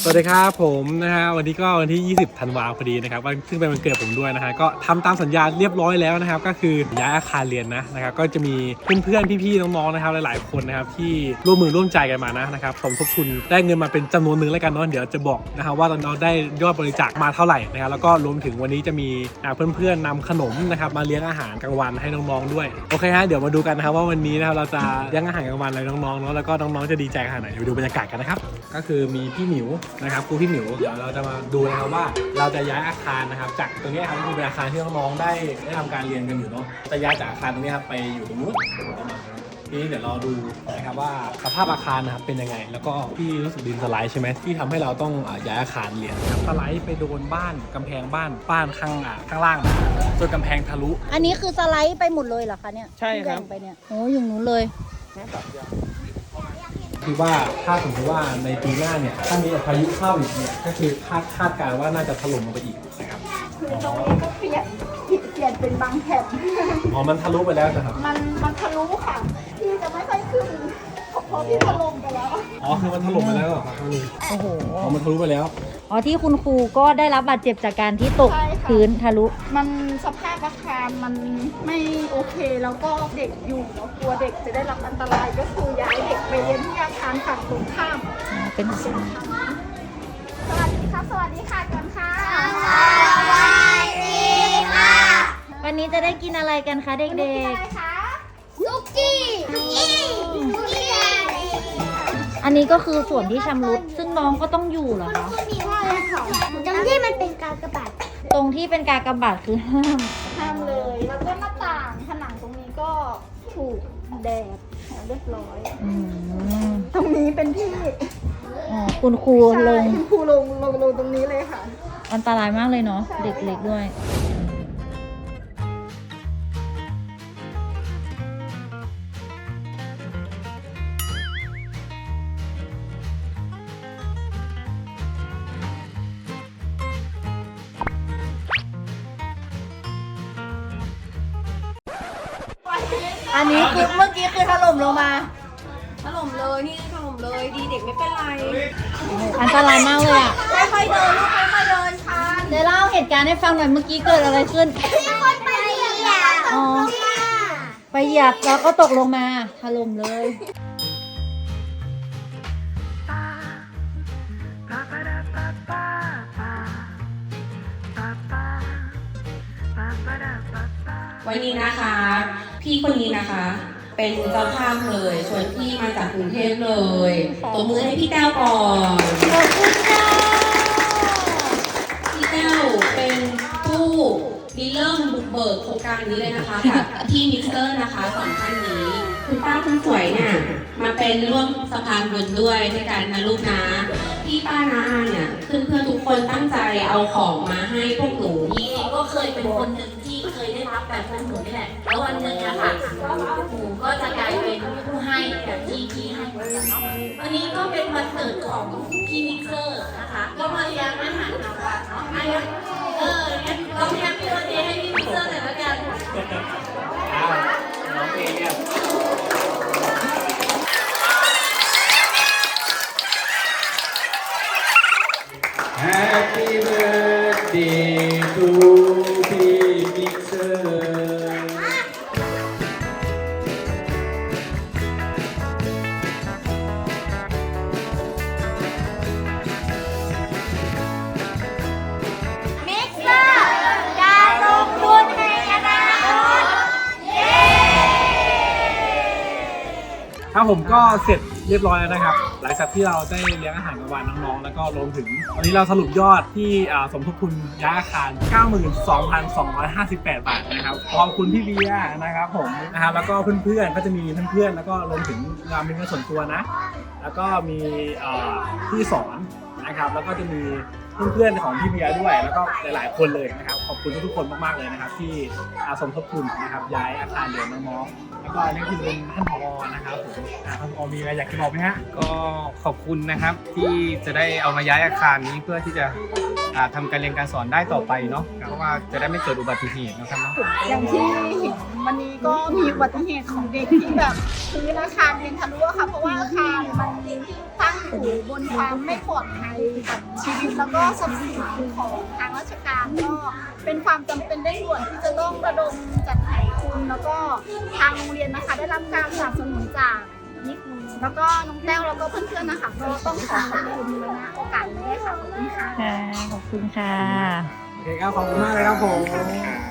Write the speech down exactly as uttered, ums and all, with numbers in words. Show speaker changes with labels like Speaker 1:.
Speaker 1: สวัสดีครับผมนะฮะวันนี้ก็วันที่ยี่สิบธันวาคมพอดีนะครับวันซึ่งเป็นวันเกิดผมด้วยนะฮะก็ทำตามสัญญาเรียบร้อยแล้วนะครับก็คือย้ายอาคารเรียนนะนะครับก็จะมีเพื่อนๆพี่ๆน้องๆนะครับหลายๆคนนะครับที่ร่วมมือร่วมใจกันมานะนะครับสมทบทุนได้เงินมาเป็นจำนวนหนึ่งแล้วกันเนาะเดี๋ยวจะบอกนะครับว่าเราได้ยอดบริจาคมาเท่าไหร่นะครับแล้วก็รวมถึงวันนี้จะมีเพื่อนๆนำขนมนะครับมาเลี้ยงอาหารกลางวันให้น้องๆด้วยโอเคฮะเดี๋ยวมาดูกันนะครับว่าวันนี้นะครับเราจะเลี้ยงอาหารกลางวันอะไรน้องๆเนาะแล้วก็น้องๆจะดีใจขนาดไหนเดี๋ยวดูบรรยากาศกันนะครับก็คือมีพี่หมิวนะครับครูพี่หมิวเดี๋ยวเราจะมาดูนะครับว่าเราจะย้ายอาคารนะครับจากตรงนี้ครับคือเป็นอาคารที่น้องๆได้ได้ทำการเรียนกันอยู่เนาะจะย้ายจากอาคารตรงนี้ครับไปอยู่ตรงนู้นทีนี้เดี๋ยวเราดูนะครับว่าสภาพอาคารนะครับเป็นยังไงแล้วก็ที่รู้สึกดินสไลด์ใช่ไหมที่ทำให้เราต้องย้ายอาคารเรียนครับสไลด์ไปโดนบ้านกำแพงบ้านบ้านข้างข้างล่างนะจนกำแพงทะลุ
Speaker 2: อันนี้คือสไลด์ไปหมดเลยเหรอคะเนี่ย
Speaker 1: ใช่ครับ
Speaker 2: ไปเนี่ยโอ้ยอย่างนู้นเลย
Speaker 1: คือว่าถ้าสมมติว่าในปีหน้าเนี่ยถ้ามีพายุเข้าอีกเนี่ยก็คือคาดคาดการณ์ว่าน่าจะถล่มลงไปอีกนะครับ
Speaker 3: คือตรงนี้ก็เปลี่ยนเปลี่ยนเป็นบางแผ่น
Speaker 1: อ๋อมันทะลุไปแล้วนะครับ
Speaker 3: มันมันทะลุค่ะพี่จะไม่ค่อยขึ้นเพราะพี่ถล่มไปแล้ว
Speaker 1: อ๋อคือมันถล่มไปแล้วเหรอครับนี่
Speaker 2: โอ้โห
Speaker 1: อ๋อมันทะลุไปแล้ว
Speaker 2: อ๋อที่คุณครูก็ได้รับบาดเจ็บจากการที่ตกพื้นทะลุ
Speaker 3: มันสภาพอาคารมันไม่โอเคแล้วก็เด็กอยู่แล้วกลัวเด็กจะได้รับอันตรายก็คือย้ายเด็กไปเรียนที่อาคารฝั่งตรงข้าม
Speaker 2: เป็น
Speaker 3: สวัสดีครับสวัสดีค่ะก่อนค่ะ
Speaker 2: สวัสดีค่ะวันนี้จะได้กินอะไรกันคะเด็กๆ
Speaker 3: อะไรคะซุกี้ซุกี้ซุกี้
Speaker 2: อันนี้ก็คือส่วนที่ชำรุดซึ่งน้องก็ต้องอยู่เหรอคะ
Speaker 3: มีว่าอะไรค่ะตรงที่มันเป็นกากบาท
Speaker 2: ตรงที่เป็นกากบาทคือห้าม
Speaker 3: ห้ามเลยแล้วก็หน้าต่างผนังตรงนี้ก็ถูกแดดเรียบร้อยตรงนี้เป็นที่
Speaker 2: คุณครูลง
Speaker 3: คุณครูลงลงลงตรงนี้เลยค่ะ
Speaker 2: อันตรายมากเลยเนาะเด็กเล็กด้วยอันนี้คือเมื่อกี้คือถล่มลงมา
Speaker 4: ถล่มเลยนี่ถล่มเลยดีเด็กไม่เป็นไร
Speaker 2: อันตรายมากเลยอ่ะ
Speaker 4: ค่อยๆเดินลูกค่อยๆเดินค่ะ
Speaker 2: เดี๋ยวเล่าเหตุการณ์ให้ฟังหน่อยเมื่อกี้เกิดอะไรขึ้น
Speaker 3: มีคนไปเหยียบ
Speaker 2: อ๋อไปเหยียบแล้วก็ตกลงมาถล่มเลย
Speaker 4: วันนี้นะคะพี่คนนี้นะคะเป็นเจ้าภาพเลยชวนพี่มาจากกรุงเทพเลยตบมือให้พี่แต้วก่อน
Speaker 2: ขอบคุณค่ะ
Speaker 4: พี่แต้วเป็นผู้ริเริ่มบุกเบิกโครงการนี้เลยนะคะกับพี่มิกเซอร์นะคะสองท่านนี้คุณป้าคุณสวยเนี่ยมาเป็นร่วมสะพานบุญด้วยด้วยกันนะลูกนะพี่ป้านาอาเนี่ยเพื่อนเพื่อนทุกคนตั้งใจเอาของมาให้พวกหนูพี่ก็เคยเป็นคนหนึ่งที่เคยได้รับแบบพวกหนูนี่แหละแล้ววันหนึ่งอะค่ะหนูก็จะกลายเป็นผู้ให้แบบที่พี่ให้เหมือนกันเนาะวันนี้ก็เป็นวันเกิดของพี่มิกเซอร์นะคะก็มาเลี้ยงอาหารกลางวันเนาะไอ้เอองั้นเราแฮปปี้วันเดย์ให้พี่มิกเซอร์หน่อยละกัน
Speaker 1: น้องเอเนี่ย Happy birthday toพี่มิกเซอร์
Speaker 3: มิกเซอร์การลงทุนในอนาคตเย้
Speaker 1: ครับผมก็เสร็จเรียบร้อยแล้วนะครับหลังจากที่เราได้เลี้ยงอาหารกลางวันน้องๆแล้วก็รวมถึงวันนี้เราสรุปยอดที่สมทบทุนย้ายอาคาร เก้าหมื่นสองพันสองร้อยห้าสิบแปด บาทนะครับขอบคุณพี่เบียร์นะครับผมนะครับแล้วก็เพื่อนๆก็จะมีเพื่อนๆแล้วก็รวมถึงงานเป็นเงินส่วนตัวนะแล้วก็มีพี่สอนนะครับแล้วก็จะมีเพื่อนๆของพี่เบียร์ด้วยแล้วก็หลายๆคนเลยนะครับขอบคุณทุกๆคนมากๆเลยนะครับที่สมทบทุนนะครับย้ายอาคารเรียนน้องๆแล้วก็อันนี้คือเป็นท่านผอ.นะครับผมท่านผอ.มีอะไรอยากจะบอกไหมฮะ
Speaker 5: ก็ขอบคุณนะครับที่จะได้เอามาย้ายอาคารนี้เพื่อที่จะทำการเรียนการสอนได้ต่อไปเนาะเพราะว่าจะได้ไม่เกิดอุบัติเหตุนะครับเนาะ
Speaker 3: อย่างที่วันนี้ก็มีอุบัติเหตุของเด็กที่แบบพื้นอาคารเป็นทะลุอะค่ะเพราะว่าอาคารมันตั้งอยู่บนความไม่ปลอดภัยกับชีวิตแล้วก็ทรัพย์สินของทางราชการก็เป็นความจำเป็นเร่งด่วนที่จะต้องระดมจัดหาทุนแล้วก็ทางโรงเรียนนะคะได้รับการสนับสนุนจากนิกแล้วก็น้องแต้วแล้วก็เพื่อนๆนะคะก็ต้องขอขอบคุณนะโอกาสนี้ด้วยค่ะขอบคุณค่ะ
Speaker 2: ค่ะ ขอบคุณค่ะ
Speaker 1: โอเคครับขอบคุณมากเลยครับผม